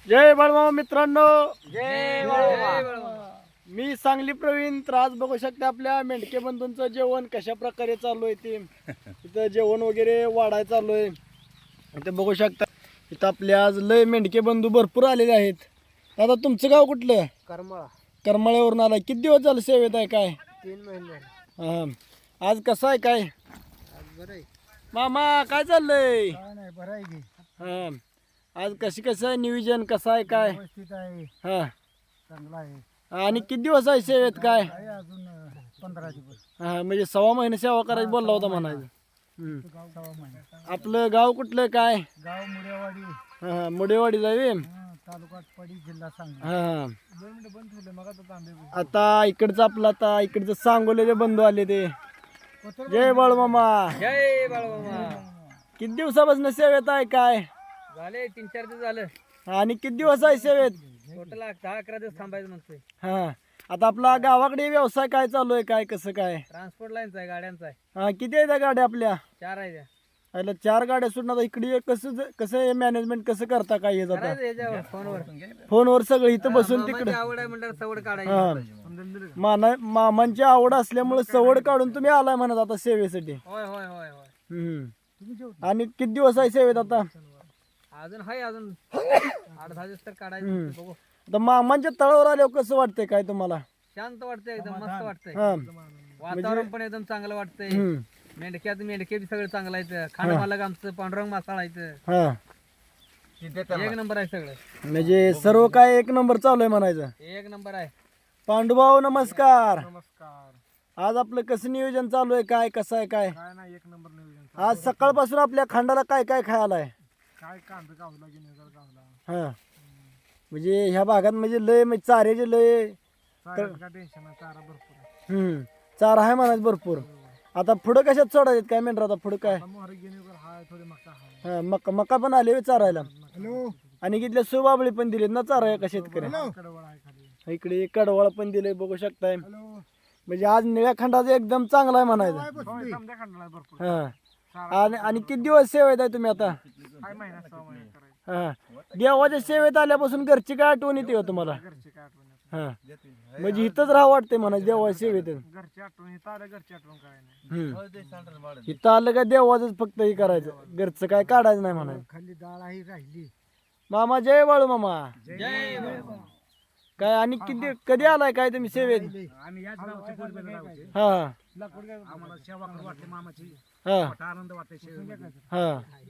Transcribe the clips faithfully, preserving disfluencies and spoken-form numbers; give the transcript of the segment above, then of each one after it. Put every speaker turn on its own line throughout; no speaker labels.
जय बाळमामा मित्रांनो,
जय बाळमामा.
मी सांगली प्रवीण. तर आज बघू शकता आपल्या मेंढके बंधूंचं जेवण कशा प्रकारे चालू आहे. ते इथं जेवण वगैरे वाढाय चालू आहे. इथं बघू शकता इथं आपल्या आज लय मेंढके बंधू भरपूर आलेले आहेत. दादा तुमचं गाव कुठलं?
करमळा.
करमाळ्यावरून आलाय. किती दिवस झालं सेवेत आहे काय?
तीन महिने
हा, आज कसं आहे काय
बरं आहे.
मामा? काय चाललंय?
काय नाही, बरं आहे की.
हा, आज कशी कसं आहे नियोजन, कसं आहे काय?
व्यवस्थित आहे,
हा,
चांगला आहे.
आणि किती दिवस आहे सेवेत काय?
आहे अजून अं, पंधरा दिवस.
हा, म्हणजे सव्वा महिने सेवा करायची बोलला होता म्हणायचं. हम्म.
गाव सहा महिने.
आपलं गाव कुठलं काय?
गाव मुडेवाडी,
हा, मुडेवाडी जावे.
हं, तालुका पडी, जिल्हा सांगली.
हा,
दोन मिनिटं बंद ठेवले मग आता तांबे
आता इकडचं आपलं आता इकडचं सांगोलेचे बंधू आले ते. जय बाळमामा.
जय बाळमामा.
किती दिवसापासून सेवेत आहे काय?
झाले तीन चार दिवस झालं.
आणि किती दिवस आहे सेवेत?
टोटल दहा अकरा दिवस थांबायचं म्हणतोय.
हा, आता आपला गावाकडे व्यवसाय काय चालू आहे काय कसं काय?
ट्रान्सपोर्ट लाईनचा आहे, गाड्यांचा आहे.
हा, किती आहेत त्या गाड्या आपल्या?
चार आहे त्या.
अरे चार गाड्या सुटून आता इकडे कसं कसं मॅनेजमेंट कसं करता काय हे जाता?
करायचं याच्यावर फोनवर.
फोनवर सगळं इथं बसून
मामाची
तिकडे.
आवड आहे म्हणल्यावर सवड
हा,
काढायची.
माना मामांची आवड असल्यामुळे सवड काढून तुम्ही आलाय म्हणत आता सेवेसाठी.
होय होय होय होय.
हम्म. आणि किती दिवस आहे सेवेत आता?
अजून हाय अजून आठ दहा दिवस तर काढायचं. बघू.
आता मामांच्या तळावर आल्यावर कसं वाटतंय काय तुम्हाला?
शांत वाटतंय, एकदम मस्त वाटतंय.
हा.
वातावरण पण एकदम चांगलं वाटतंय.
हम्म.
मेंढक्यात मेंढके बी सगळं चांगलं आहे. खांड मालक आमचं पांडुरंग मासाळ आहे.
हा,
एक नंबर आहे सगळं.
म्हणजे सर्व काय एक नंबर चालू आहे म्हणायचं.
एक नंबर आहे.
पांडुभाऊ नमस्कार.
नमस्कार.
आज आपलं कसं नियोजन चालू आहे काय कसं आहे काय?
काय नाही, एक नंबर नियोजन.
आज सकाळपासून आपल्या खांडाला काय काय खायला आहे?
काय कांदा गावला की नाही गावला.
हा, म्हणजे ह्या भागात म्हणजे लय म्हणजे चाऱ्याचे लय
काय टेन्शन नाही, चारा भरपूर आहे.
हम्म चारा आहे म्हणायचं भरपूर. आता पुढं कशात सोडायचे काय मेंढर? आता पुढं काय?
मोहर घेणे हाय, थोडे मका हाय.
हा, मका मका पण आले चारायला.
हॅलो.
आणि इथल्या सुबाबळी पण दिलेत ना चारा का शेतकरी.
कडवळ आहे खाली.
इकडे कडवाळ पण दिले बघू शकताय.
हॅलो.
म्हणजे आज निळ्या खंडाचा एकदम चांगला आहे म्हणायचं.
होय, समजा खांडला भरपूर.
हा, आणि आणि किती दिवस सेवेत आहे तुम्ही आता?
काय महिना सहा महिने करायचं.
हा, देवाच्या सेवेत आल्यापासून घरची काय आठवण येते हो तुम्हाला?
घरची काय आठवण येत.
हा, म्हणजे इथंच राहा वाटते म्हणा देवाच्या सेवेत.
घरची आठवण इथं आलं, घरची आठवण काय नाही.
हम्म. इथं आलं का देवाच फक्त हे करायचं, घरचं काय काढायचं नाही म्हणायचं.
खाली डाळ आहे राहिली.
मामा जय बाळू मामा.
जय
काय आणि किती कधी आलाय काय तुम्ही सेवेत?
आम्ही याच गावचे पूर्वेला राहते.
हा
आम्हाला सेवा करू वाटते मामाची.
हा
आनंद वाटते सेवेमध्ये.
हा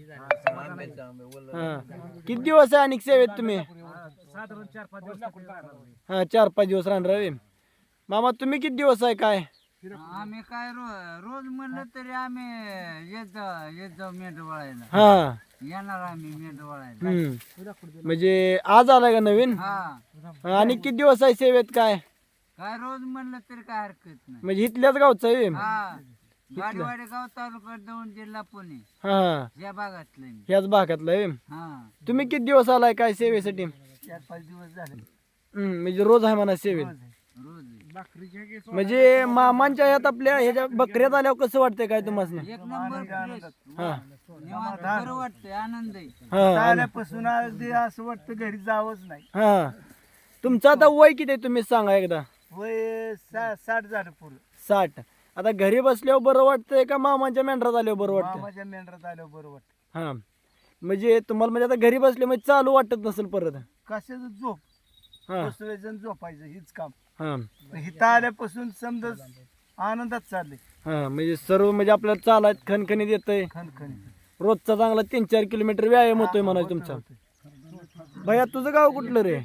हा, किती दिवस आहे आणि सेवेत तुम्ही?
साधारण चार पाच दिवस.
हा, चार पाच दिवस राहणार आहे. मामा तुम्ही किती दिवस आहे काय?
आम्ही काय रो- रोज म्हणलं तरी आम्ही येत येत जाऊ मेंढ वळायला.
हा,
येणार आम्ही मेंढ वळायला.
हम्म. म्हणजे आज आलाय का नवीन?
हा,
आणि किती दिवस आहे सेवेत काय?
काय रोज म्हणलं तरी काय हरकत नाही.
म्हणजे इथल्याच गावचं आहे?
हा, गाडीवाडी गाव तालुका दौंड जिल्हा पुणे
हा,
या भागातलं मी.
ह्याच भागातलं आहे.
हा,
तुम्ही किती दिवस आलाय काय सेवेसाठी?
चार पाच दिवस झाले.
हम्म, म्हणजे रोज आहे म्हणा सेवेत.
रोज बकरी
म्हणजे मामांच्या ह्यात आपल्या ह्याच्या बकऱ्यात आल्यावर कसं वाटतंय काय तुम्हाला?
एक नंबर फ्रेश.
हा
निवांत बरं वाटतंय, आनंद आहे.
हा
आल्यापासून अगदी असं वाटतं घरी जावंच नाही.
हा, तुमचं आता वय किती आहे तुम्ही सांगा एकदा?
वय साठ झालं पुढं.
साठ. आता घरी बसल्यावर बरं वाटतंय का मामांच्या मेंढरात आल्यावर बरं वाटतं?
मामाच्या मेंढरात आल्यावर बरं वाटतं.
हा, म्हणजे तुम्हाला म्हणजे आता घरी बसले म्हणजे चालू वाटत नसेल परत?
कशाचं झोप,
हा
बसवायचं झोपायचं हीच काम.
हा
इथं आल्यापासून समजा आनंदात चालले.
हा, म्हणजे सर्व म्हणजे आपल्याला चालायत खणखणीत येतंय.
खणखणीत
रोजचा चांगला तीन चार किलोमीटर व्यायाम होतोय म्हणायचं तुमचा. भैया तुझं गाव कुठलं रे?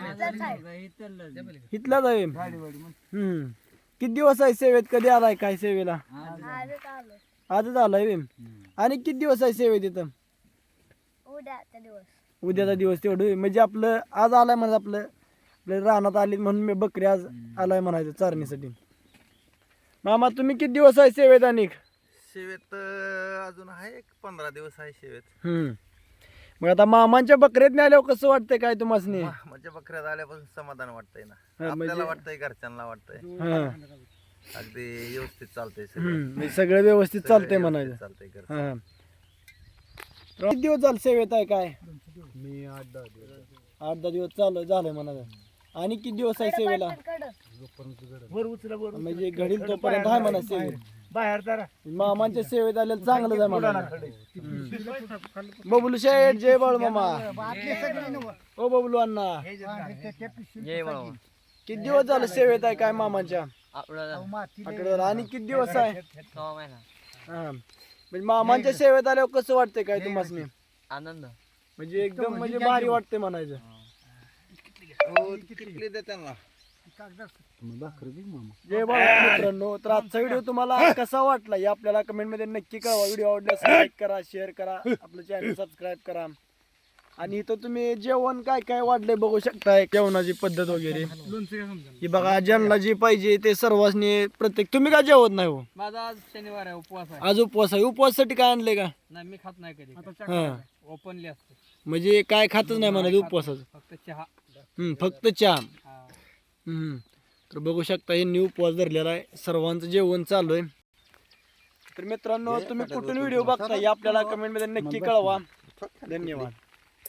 इथलाच आहे.
गाडीवाडी म्हणून.
हम्म, किती दिवस आहे सेवेत? कधी आलाय काय सेवेला? आजच आलाय बे. आणि किती दिवस आहे सेवेत इथं? उद्याचा दिवस तेवढं होय. म्हणजे आपलं आज आलाय म्हणजे आपलं आपल्या रानात आली म्हणून मी बकरी आज आलाय म्हणायचं चारणीसाठी. मामा तुम्ही किती दिवस आहे सेवेत? आणि
शेवेत अजून आहे एक पंधरा दिवस आहे शेवेत.
हम्म, मग आता मामांच्या बकऱ्यात आल्यावर कसं वाटतंय काय तुम्हाला?
म्हणजे बकऱ्यात आल्यापासून समाधान वाटतंय ना.
हा, म्हणजे-
आपल्याला वाटतंय, घरच्यांना वाटतंय,
हा,
अगदी व्यवस्थित चालतंय सगळं.
हम्म, म्हणजे सगळं व्यवस्थित चालतंय म्हणायचं.
चालतंय घर.
हा, किती दिवस झाले सेवेत आहे काय?
मी आठ दहा दिवस.
आठ दहा दिवस चालू झालंय म्हणायचं. आणि किती दिवस आहे सेवेला? म्हणजे घडील तोपर्यंत आहे म्हणा सेवेत.
बाहेर जरा
मामांच्या सेवेत आलेलं चांगलं आहे म्हणा. बबलू शेठ जय बाळू मामा. ओ बबलू अण्णा किती दिवस झालं सेवेत आहे काय मामांच्या? आठवड्यावर. आणि किती दिवस आहे? हा म्हणजे मामांच्या सेवेत आल्यावर कसं वाटतंय काय तुम्हाला?
आनंद
म्हणजे एकदम म्हणजे भारी वाटते म्हणायचं.
हो, किती द्या त्यांना.
जय बाळा मित्रांनो, तर आजचा व्हिडिओ तुम्हाला कसा वाटला हे आपल्याला कमेंट मध्ये नक्की कळवा. व्हिडिओ आवडल्यास लाईक करा, शेअर करा, आपलं चॅनल सबस्क्राईब करा. आणि इथं तुम्ही जेवण काय काय वाढलंय बघू शकताय, जेवणाची पद्धत वगैरे ही बघा. ज्यांना जे पाहिजे ते सर्वांनी प्रत्येक. तुम्ही का जेवत नाही हो?
माझा आज शनिवार आहे, उपवास आहे.
आज उपवास आहे. उपवासासाठी काय आणलंय का?
नाही मी खात नाही कधी.
हा
ओपनली असते,
म्हणजे काय खातच नाही म्हणायचं उपवासाचं.
फक्त चहा.
हम्म फक्त चहा.
हा.
हम्म तर बघू शकता हे न्यू उपवास धरलेला आहे. सर्वांचं जेवण चालू आहे. तर मित्रांनो तुम्ही कुठून व्हिडिओ बघता हे आपल्याला कमेंट मध्ये नक्की कळवा. धन्यवाद.